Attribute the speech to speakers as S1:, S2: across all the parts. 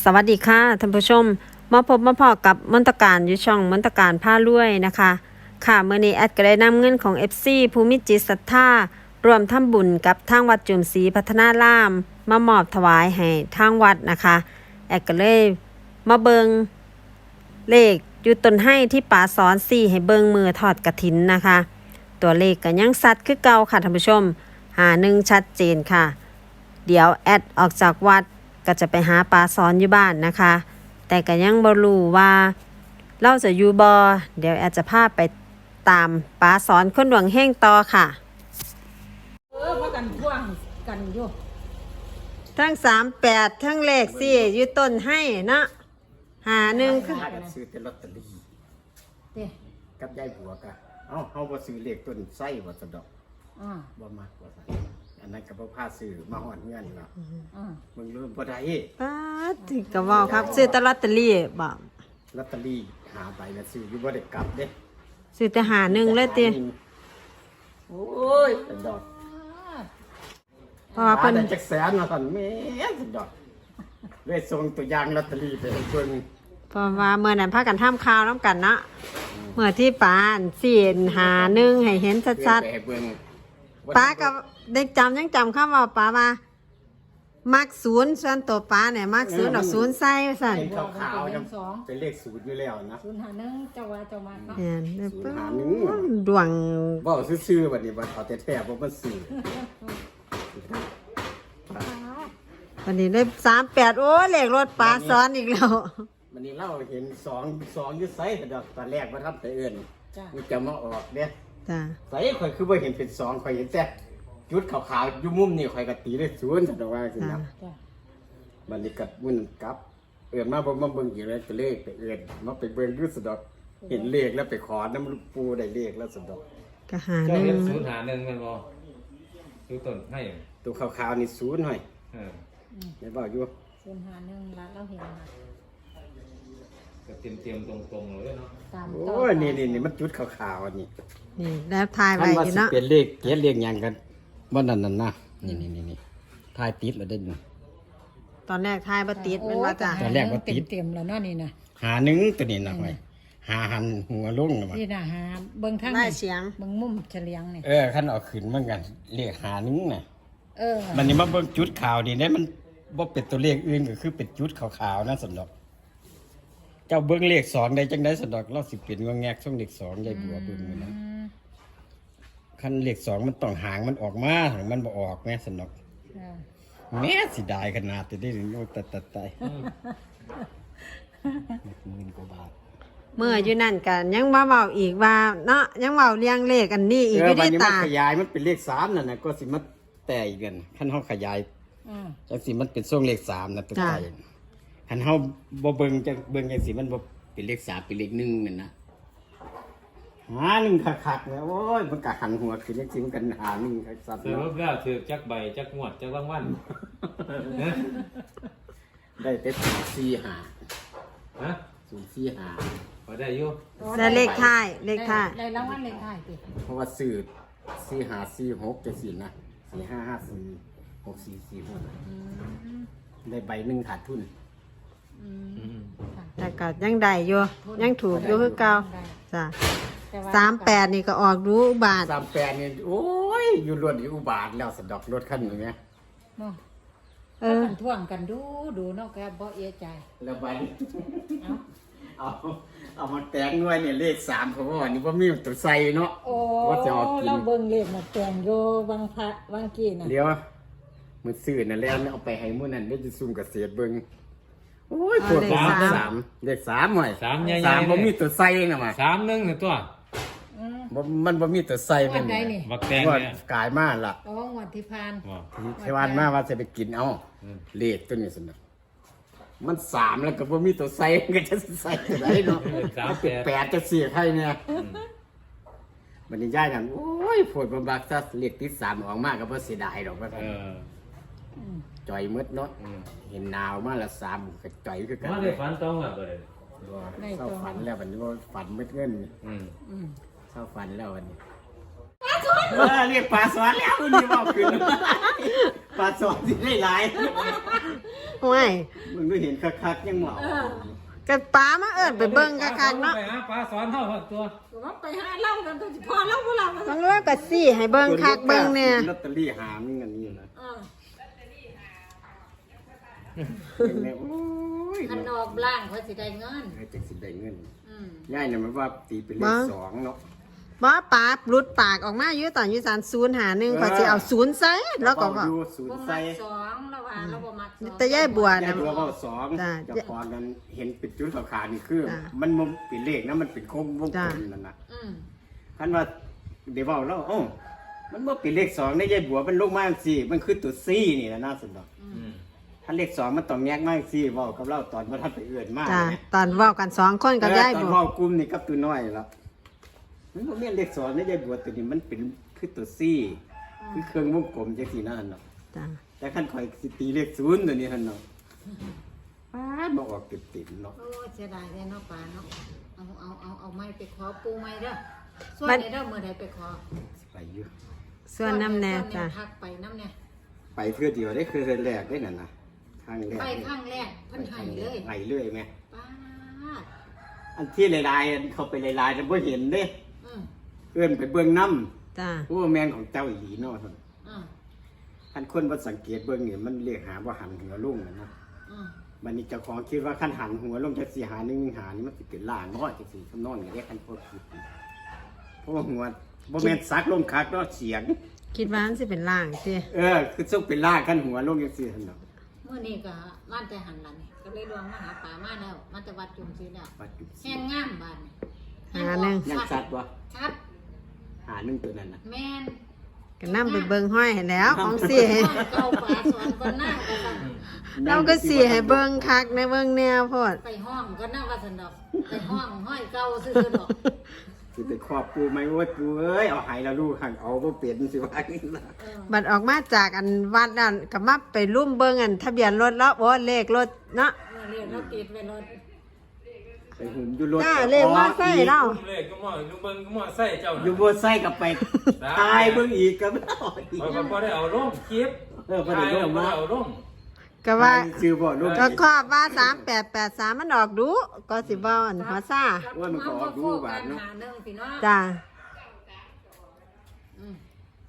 S1: สวัสดีค่ะท่านผู้ชมมาพบมาพอกับมนตการอยู่ช่องมนตการผ้ารวยนะคะค่ะเมื่อนี้แอดก็ได้นำเงินของ FC ภูมิจิตศรัทธารวมทำบุญกับทางวัดจุมศรีพัฒนารามมามอบถวายให้ทางวัดนะคะแอดก็เลยมาเบิงเลขอยู่ต้นให้ที่ป่าสอน4ให้เบิงมือถอดกระถินนะคะ ตัวเลขก็ยังสัตว์คือเก่าค่ะท่านผู้ชมหาหนึ่งชัดเจนค่ะเดี๋ยวแอดออกจากวัดก็จะไปหาปลาซ้อนอยู่บ้านนะคะแต่ก็ยังบ่รู้ว่าเราจะอยู่บ่เดี๋ยวแอดจะพาไปตามปลาซ้อนคนดวงเฮงต่อค่ะ
S2: เพราะกันท่วงกันอยู่
S1: ทั้ง38ทั้งเลข4อยู่ต้นให้เนาะหาหนึ่งคือ
S3: ถ้ากันซื้อแต่ลอตเตอรี่
S2: เด้
S3: กับยายบัวกะเฮาบ่ซื้อเลขต้นไส้ว่าสะดอก
S2: อ่า
S3: บ่มักว่าซั่นอันนั้นก็บ่พาซื้อมาฮอดเงินเนาะ
S2: อ่า
S3: มึงรู้บ่ได้
S1: ป๊าดถึงก็เว้าครับซื้อแต่ลอตเตอรี่บ่
S3: ลอตเตอรี่หาใบละซื้ออยู่บ่ได้กลับเด้
S1: ซื้อแต่หาหนึ่งเลยติ
S3: โอ้ยสะดอก
S1: เพราะว่าเพิ่น
S3: ได้จักแสนมาซั่นแม่สะดอกเลยส่งตัวอย่างลอตเตอรี่ไปให้เพิ่น
S1: เพราะว่าเมื่อนั้นพากันทำข่าวน้ำกันเนาะเมื่อที่ป้าอันสี่หาหนึ่งให้เห็นชัด
S3: ไปให้เบิ่ง
S1: ๆป้ากับเด็กจำยังจำคำว่าป้ามามักศูนย์ส่วนตัวป้าเนี่ยมักศูนย์ดอกศูนย์ใส่สั่น
S3: เป็นขาวๆจังเป็นเลขศูนย์อยู่แล้วนะ
S2: 051เจ้าว่าเจ้ามาเนาะ
S1: เนี่ย
S3: ศูนย์หาหนึ่ง
S1: ดวง
S3: บ่ซื่อๆบัดนี้บ่เอาแต่แท้บ่มันซื้อ
S1: วันนี้ได้38โอ้เลขรถป้าซ้อนอีกแล้ว
S3: วันนี้เราเห็นสองอยู่ไสแต่ดอกตอนแรกบ่ทำแต่เอิ้น
S2: จ้า
S3: มันจะมาออกเด้
S1: จ้ะ
S3: ไสข่อยคือบ่เห็นเป็นสองข่อยเห็นแต่จุดขาวๆอยู่มุมนี่ข่อยก็ตีได้ศูนย์แต่ว่าสิ
S1: จ้ะ
S3: นะ
S2: จ้า
S3: บัดนี้ก็มุ่นกลับ เอิ้นมาบ่มาเบิ่งอีกแล้วก็เลขไปเอิ้นมาไปเบิ่งอยู่สะดอก เห็นเลขแล้วไปขอน้ำลูกปูได้เลขแล้วสะดอก
S1: ก็หาห
S4: เจ้า
S1: นึ่
S4: เห็
S1: ง
S4: นศูนย์หาหนึ่งแมันบ่ดูต้นให้
S3: ตัวขาวๆนี่ศูนย์หน่อย
S4: เออ
S3: ได้บอกอยู่
S2: 051ละเราเห็นนะ
S4: ก็เตรียมตรงๆเลยเนาะ
S2: ตาม
S3: โอ้ยนี่มันจุดขาวๆนี่
S1: นี่แล้วทายไว้
S3: คัน
S1: อ
S3: ว่า
S1: ยู่
S3: สิ
S1: เนาะ
S3: เป็นเลขเกียรเลขหยังกันบ่นั่นนะนี่ทายติดแล้วได้นี่
S1: ตอนแรกทายบ่ติดมันว่าจ้ะ
S3: ตอนแรกว่าติด
S2: เต็มๆแล้วเนาะนี่นะ
S3: หาหนึ่งตัวนี้นะไว้หาหันหัวลงนะว่า
S2: นี่นะหาเบิ่งทาง
S1: ได้เสียง
S2: เบิ่งมุมเฉลียงนี่
S3: คันเอาขึ้นเหมือนกันเลขหาหนึ่งน่ะ
S2: เออ
S3: มันนี่มาเบิ่งจุดขาวนี่ได้มันบ่เป็นตัวเลขอื่นก็คือเป็นจุดขาวๆนะสำหรับเจ้าเบิ่งเลขสองได้จังได๋สำหรับเราสิเป็นว่าแงกช่องเลขสองยายบัวเบิ่งอยู่นะคันเลขสองมันต้องหางมันออกมาหางมันบ่ออกแม่สำหรับ
S2: อ่า
S3: แม่สิได้ขนาดจะได้ถึงโอ้ตาย10,000 กว่าบาท
S1: เมื่ออยู่นั่นกันยังมาเว้าอีกว่าเนาะยังเว้าเรียงเลขอันนี้อีกอยู่
S3: บัด
S1: ที่
S3: นี้มัน
S1: ตา
S3: ขยายมันเป็นเลข3นั่นน่ะก็สิมาแต่อีกกันคันเฮาขยาย
S2: อ่า
S3: จังสิมันเป็นช่วงเลข3นะตัวใจคันเฮาบ่เบิ่งจังเบิ่งจังสิมันบ่เป็นเลข3เป็นเลข1นั่นนะหาหนึ่งคักๆเนี่ยโอ้ยมันก็หันหัวขึ้นจังสิมันก็หาหนึ่งคักสัตว์
S4: สรุปแล้วถือจักใบจักงวดจักรางวัลฮะ
S3: ได้แต่4-5
S4: ฮะ
S3: 0-4-5
S4: พอได้อยู่
S1: ได้เลขท้ายเลขท้าย
S2: ได้รางวัลเลขท้ายติ
S3: เพราะว่าซื้อ4-5-4-6จังซี่นะ4-5-5-4-6-4-4-6ได้ใบหนึงขาดทุน
S1: แต่ก็ยังได้อยู่ยังถูกอยู่คือเก่าจ้ะ38นี่ก็ออกรู้อุบาท
S3: 38นี่โอ้ยอยู่รถอยู่อุบาทแล้วสะดอกรถคันนี้แม่
S2: เนาะ
S1: เอ
S2: ถ้า
S1: อ
S2: กันท่วงกันดูเนาะแกบ่เอะใจ
S3: แล้วใบ
S2: เอ้า
S3: เอามาแต่งหน่วยเนี่ยเลข3เพราะว่านี่บ่มีตัวใส่เนาะ
S2: โอ้
S3: ว่าจะเอากิน
S2: เราเบิ่งเลขมาแต่งโยบางพระบางกี้น่ะ
S3: เดี๋ยวมื้อซื้อนั่นแล้วเอาไปให้มื้อนั้นได้จะซุ่มเกษตรเบิ่งโอ้ยปวดหัว3เลข3หน่อย
S4: สามใหญ่ๆ
S3: 3บ่มีตัวใส่น่ะมา
S4: 3 1นี่ตัว
S2: อืม
S3: มันบ่มีตัวใส่
S2: วั
S3: เป็น
S2: นใดนี่
S4: บักแตง
S3: ว่า
S4: เนี่ย
S3: กายมาล่ะ
S2: อ๋อวันที่ผ่าน
S4: บ่
S3: เทวานมาว่าจะไปกินเอาเลขตัวนี้สนะมัน3แล้วก็บ่มีตัวใส่ก็จะใส่ตัวไหนเนาะ8จะเสียให้เนี่ยบัดนี้ยายนั่นโอ้ยปวดบ่บักซะเลขติด3ออกมาก็บ่เสียดายดอกว่า
S4: เออ
S3: จ่อยมืดเนาะเห็นหนาวมาละ3ก็จ่อยคือกัน
S4: มาได้ฝันต้องอ่ะบ่ได้
S3: เศร้าฝันแล้ววันนี้ว่าฝันมืดเงิน
S4: อืม
S3: เศร้าฝันแล้ววันนี้เรียกปลาสวนแล้ววันนี้บอกขึ้นปลาสอนสิได้หลาย
S1: โอ้ย
S3: มึงดูเห็นคักๆยังเหมา
S1: ก็ปลามาเอิ้นไปเบิ่งคักๆเนาะ
S4: ไปหาปลาสอนเท่าตัว
S2: ว่าไปหาเล่ากันตัวสิพอเล่าบ่เล่า
S1: บางเรื่องก็สิให้เบิ่งคักเบิ่งเนี่ย
S3: ลอตเตอรี่หามึงอันนี้นะ
S2: เออ
S3: เห็นไหมโอ้ย
S2: คันออกล่างเขาสิได้เงิน
S3: ให้จักสิได้เงิน
S2: อืม
S3: ย่ายเนี่ยมันว่าตีเป็นเลขสองเนาะ
S1: บ่ปลาหลุดปากออกมาอยู่ตอนอยู่ศาล051เขาสิเอา0ใส่แล้วก็ว่า
S3: ดูศูน
S2: บ่
S3: ย์
S2: มั
S3: ใส่
S2: กสองแล้วว่าเราบ่มักสอง
S1: แต่ยายบัวย
S3: าย
S1: น่ะ
S3: บัวว่าสอง
S1: จ้ะ
S3: เจะพอนั้นเห็นเป็นจุดขาวๆนี่คือ
S1: จ้ะ
S3: มันบ่เป็นเลขนะมันเป็นโค้งวงกล
S1: จ้ะ
S3: มนั่นน่ะ
S2: อืม
S3: คันว่าเดี๋ยวเว้าแล้วโอ้มันบ่เป็นเลขสองได้ยายบัวมันลงมาจังซี่มันคือตัวซี่นี่นะน่าสนดอก
S4: อืม
S3: ถ้าเลขสองมันต้องแยกมากซี่เว้ากับเราตอนบ่ทันไปเอื้อนมาก
S1: จ้ะตอนเว้ากัน2คนกับยาย
S3: ตอน
S1: บัว
S3: เว้ากลุ่มนี่กับตัวน้อยแล้วมันบ่แม่นเลขสองได้ยายบัวตัวนี้มันเป็นคือตัวซี่คือเครื่องวงกลมจังซี่นั่นเนาะ
S1: จ้ะ
S3: แต่ขั้นข่อยสิตีเลขศูนย์ตัวนี้หั่นเนาะป้าดบ่ออกเต็มๆเนาะ
S2: โอ้เสียดายแท้เนาะปลาเนาะเอาไม้ไปขอปูไม้เด้อส่วนไหนเด้อมื้อใดไปขอ
S3: สิไปอยู่
S1: ส่วนน้ำแน่จ้ะ
S2: ทักไปน้ำแน่
S3: ไปเพื่อเดียวได้คือเรือนแรกได้นั่นน่ะครั้งแรก
S2: ไปครั้งแรกเพิ่นให้เลย
S3: ไหเรื่อยแม่
S2: ป้าด
S3: อันที่ลายๆอันเข้าไปลายๆแต่บ่เห็นเด้
S2: อืม
S3: เอื้อนไปเบิ่งน้
S1: จ้ะ
S3: ำผู้ว่าแมนของเจ้าอีหลีเนาะท่าน
S2: อืม
S3: คันคนบ่สังเกตเบิ่งนี่มันเรียกหาว่าหันหัวลงน่ะนะ
S2: อืม
S3: บัดนี้เจ้าของคิดว่าคันหันหัวลงจักสิหา1หานี่มันสิเป็นล่างน้อยจังซี่คำนองนี่เด้คันพวกคิดเพราะว่าหัวบ่แม่นซักลงคักเนาะเสียง
S1: คิดว่ามันสิเป็นล่างสิ
S3: คือซุกเป็นล่างคันหัวลงจังซี่ท่านเนาะ
S2: มื้อนี้ก็บ้านแต่หันหลังนี่ก็เลยลวงมาหาป่ามาแล้วมาแต่วัดจุมศรีแล้ว
S3: ปัจจุบั
S2: แห้งงามบ้านนี่
S1: หาหนึ่ง
S3: ยังสัตว์บ่
S2: ครับ
S3: หา1ตัวนั้นน่ะ
S2: แม่น
S1: ก็นำไปเบิ่งห้อยให้แล้วของสิ
S2: ห้องเก่าป่าสอนก็นั่งก็สั่น
S1: เราก็สิให้เบิ่งคักในเบิ่งแนวโพด
S2: ไปห้องก็นั่งว่าสันดอกไปห้องห้อยเก่าซื่อๆดอก
S3: สิไปครอบปูไหมโอ้ยปูเอ้ยเอาให้แล้วลูกหังเอาบ่เป็นสิว่าอย่างนี้ล่ะ
S2: เออ
S1: บัดออกมาจากอันวัดนั่นก็มาไปลุ่มเบิ่งอันทะเบียนรถแล้วโอ้เลขรถเนาะ
S2: เรียนเราติดไว้รถ
S3: ไปหุ่มอยู่รถ
S1: จ้าเลขมอไซค์เรา
S4: เลขก็มอลูกเบิ้งก็มอใส่เจ้า
S3: อยู่บนไส้กับไปตายเบิ่งอีกก็ไม่เอาอีก
S4: พอพอได้เอาลงคลิป
S3: พอได้ลงมา
S4: เอาลง
S1: ก็ว่า
S3: ชื่อบ่ลูก
S1: ก็ครอบว่า3883มันออกดูก็สิเว้าอันหัวซ่า
S3: ว่ามันก็ออกดูบาดเนาะ
S2: หาหนึ่งพี่น้อง
S1: จ้า
S2: อืม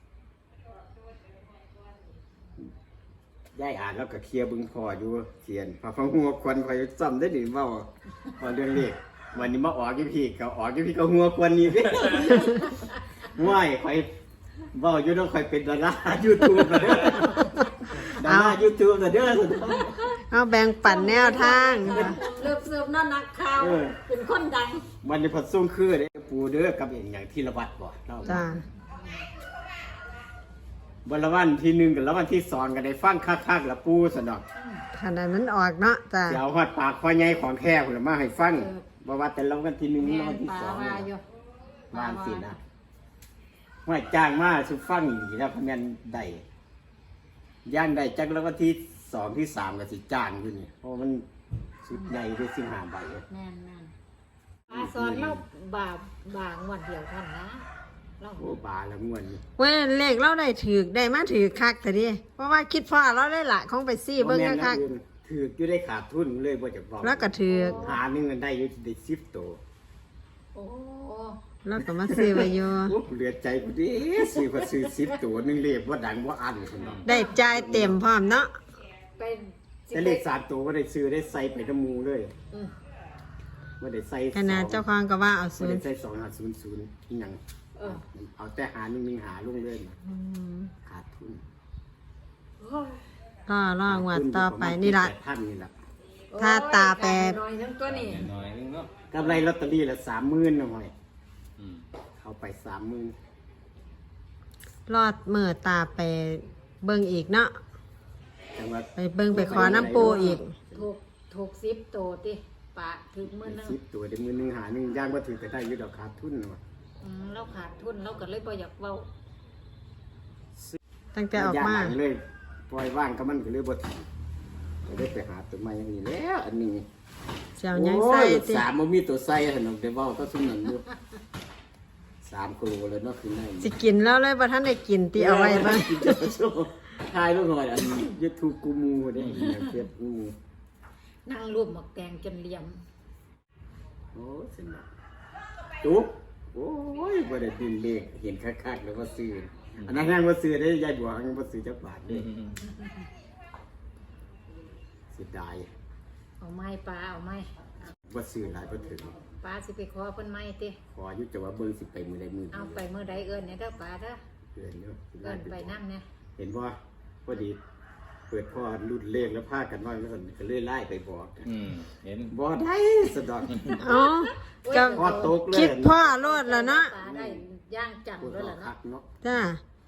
S3: ยายอ่านแล้วก็เคลียร์เบิ่งพออยู่เขียนพอฟังหัวควันข่อยจำได้นี่เว้าพอเรื่องเลขวันนี้มาออกอยู่พี่ก็ออกอยู่พี่ก็หัวควันนี่เด้ว้ายข่อยเว้าอยู่เนาะข่อยเป็นดารา YouTube แล้วเด้อดารา YouTube แล้วเด้อ
S1: เอาแบ่งปันแนวทาง
S2: เลิกเสิร์ฟนั่นนักข่าวเป็นคนดัง
S3: มันจะผัดส่งคือเด้ปูเด้อกับอย่างที่ระวัดบ่เนาะ
S1: จ้า
S3: บนละวันที่1กับละวันที่2ก็ได้ฟังคักๆละปูสนอก
S1: ขนาดนั้นออกเนาะจ้า
S3: สิเอาฮอดปากคอใหญ่ของแท้พุ่นละมาให้ฟังบ่ว่าแต่ละวันที่1
S2: แม่
S3: ละวันที่
S2: ป่า
S3: 2
S2: ว่าอยู่
S3: บ้านสินะว่าจ้างมาสุฟังอีแล้วคะแนนได้ย่างได้จักละวันที่2ที่3ก็สิจ้างอยู่นี่เพราะมันสุดใหญ่ด้วย15ใบ
S2: แม่นแม่นป่าสอนเราบางวันเดียวเท่านนนะเรา
S3: โอ้บาละม่วนนี่
S1: เว้ยเลขเราได้มาถือคักแต่ดิเพราะว่าคิดพ่อเราได้ละของไปซี่เบิ่ง
S3: บ่แม่น
S1: คัก
S3: นะถืออยู่ได้ขาดทุนเลยบ่จะบอก
S1: ๆแล้วก็ถือ
S3: หาหนึงกันได้อยู่ได้10ตัว
S2: โอ้
S1: แล้วก็มาซื้อไว้อยู่
S3: โอ้เหลือใจกูดิซื้อก็ซื้อ10ตัวหนึงเลขบ่ดังบ่อันพุ่นเนาะ
S1: ได้จ่ายเต็มพร้อมเนาะ
S2: ไป
S3: แต่เลข3ตัวก็ได้ซื้อได้ใส่ไปน้ำหมูเลย
S2: อืม
S3: บ่ได้ใส่
S1: ขนาดเจ้าของก็ว่าเอา
S3: บ่
S1: ศูน
S3: ได้
S1: ย์
S3: ใส่2500อีหยัง
S2: เออ
S3: เอาแต่หา1หาลงเลยนะขาดทุน
S1: รองวัดต่อไปนี่ล่ะ
S3: ท่านนี่ล่ะ
S1: ถ้าตาแปร
S2: น้อยทั้งตัวนี่
S4: หน่อยนึงเนาะ
S3: กำไรลอตเตอรี่ละ30,000นะห้อย
S4: อืม
S3: เอาไป30,000
S1: รอดมือตาไปเบิ่งอีกเนาะ
S3: จังหวัด
S1: ไปเบิ่งไปขอน้ำปูอีก
S2: ถูก10ตัวติปะถึงมื้อนึง
S3: 10ตัวได้มื้อหนึงหาหนึงย่างบ่ถือก็ได้อยู่ดอกขาดทุนเนาะ
S2: เราขาดทุนเราก็เลยบ่อยากเว้า
S1: ตั้งแต่ออกมา
S3: ย่งหลังเลยปล่อยว่างก็มันก็เลยบ่ถือก็ได้ไปหาตัวใหม่อย่างนี้แล้วอันนี้
S1: เสียวยังใส่
S3: โอ้ย
S1: ติ
S3: สามบ่มีตัวใส่ถนนเดเว้าก็ซุ่มนั่นอยู่3กิโลเลยเนาะคือใน
S1: สิกินแล้วเลยบ่ทันได้กินติเอาไว้บ้าง
S3: กินจะโชว์ทายลูกหน่อยอัน YouTube กูมูได้เฟซกู
S2: นั่งรวมหมกแดงจนเหลี่ยม
S3: โอ้สนุกจุ๊บโอ้ยบ่ได้ดินเลขเห็นคักๆแล้วว่าซื้ออันนั้นยังบ่ซื้อได้ยายบัวยังบ่ซื้อจักบาทเด้เสียดาย
S2: เอาไม้ปลาเอาไม้
S3: บ่ซื้อหลายบ่ถึง
S2: ปลาสิไปขอเพิ่นไม้ติ
S3: ขออยู่จะว่าเบิ่งสิไปมื้อใดมื้อ
S2: เอาไปเมื่อใดเอิ้นเนี่ยเด้อปลาเด้อ
S3: เดือนเนาะ
S2: เอิ้นไปนำเนี่ย
S3: เห็นบ่พอดีเปิดพ่อรุ่นเลขแล้วพากันว่าแล้วก็เลยไล่ไปบอก
S4: เห็น
S3: บ่ได้สะดอก
S1: อ๋อก็
S3: พอตกเลย
S1: คิดพ่อโลดแล้วเนาะ
S2: ปลาได้ย่างจัง
S3: พูด
S2: ด้วย
S3: ต่อ
S2: ล่ะ
S3: คั
S2: เนาะ
S3: กเนาะ
S1: จ้า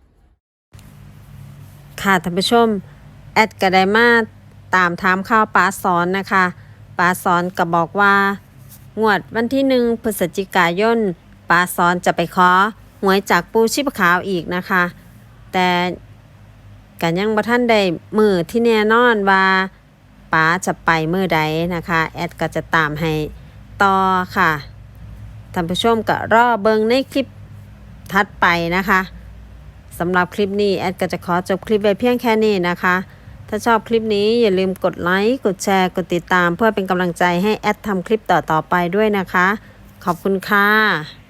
S1: ค่ะท่านผู้ชมแอดก็ได้มาตามถามข่าวป้าสอนนะคะป้าสอนก็บอกว่างวดวันที่1 พฤศจิกายนป้าสอนจะไปขอหวยจากปูชีพขาวอีกนะคะ แต่กันยังบ่ทันได้มือที่แน่นอนว่าป้าจะไปมือใดนะคะแอดก็จะตามให้ต่อค่ะท่านผู้ชมก็รอเบิ่งในคลิปถัดไปนะคะสำหรับคลิปนี้แอดก็จะขอจบคลิปไว้เพียงแค่นี้นะคะ ถ้าชอบคลิปนี้อย่าลืมกดไลค์กดแชร์กดติดตามเพื่อเป็นกำลังใจให้แอดทำคลิปต่อๆไปด้วยนะคะ ขอบคุณค่ะ